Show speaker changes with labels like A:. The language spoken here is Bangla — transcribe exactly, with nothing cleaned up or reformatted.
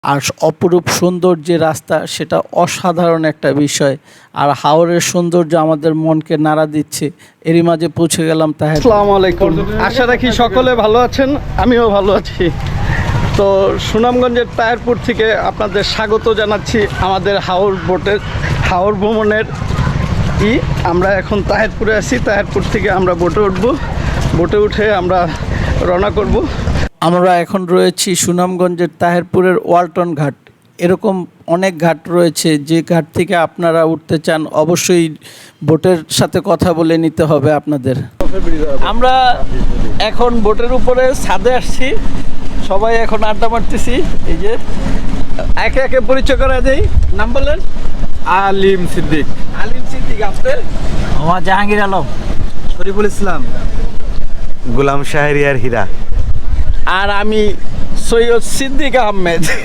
A: আর অপরূপ সুন্দর যে রাস্তা সেটা অসাধারণ একটা বিষয়। আর হাওরের সৌন্দর্য আমাদের মনকে নাড়া দিচ্ছে। এরই মাঝে পৌঁছে গেলাম তাহের।
B: আসসালামু আলাইকুম, আশা রাখি সকলে ভালো আছেন, আমিও ভালো আছি। তো সুনামগঞ্জের তাহেরপুর থেকে আপনাদের স্বাগত জানাচ্ছি আমাদের হাওর বোটের হাওর ভ্রমণের ই আমরা এখন তাহেরপুরে আছি। তাহেরপুর থেকে আমরা বোটে উঠবো, বোটে উঠে আমরা রওনা করব।
A: আমরা এখন রয়েছি সুনামগঞ্জের তাহেরপুরের ওয়ালটন ঘাট। এরকম অনেক ঘাট রয়েছে, যে ঘাট থেকে আপনারা উঠতে চান অবশ্যই বোটের সাথে কথা বলে নিতে হবে আপনাদের। আমরা এখন বোটের উপরে ছাদে আসছি, সবাই এখন আড্ডা মারতেছি। এই যে একে একে পরিচয় করা দেই। নাম বলেন?
C: আলিম সিদ্দিক।
A: আলিম সিদ্দিক। আপনার?
D: আমার জাহাঙ্গীর আলম।
C: শরীফুল ইসলাম।
E: গোলাম শাহরিয়ার হীরা।
A: আর আমি সৈয়দ সিদ্দিক আহমেদ।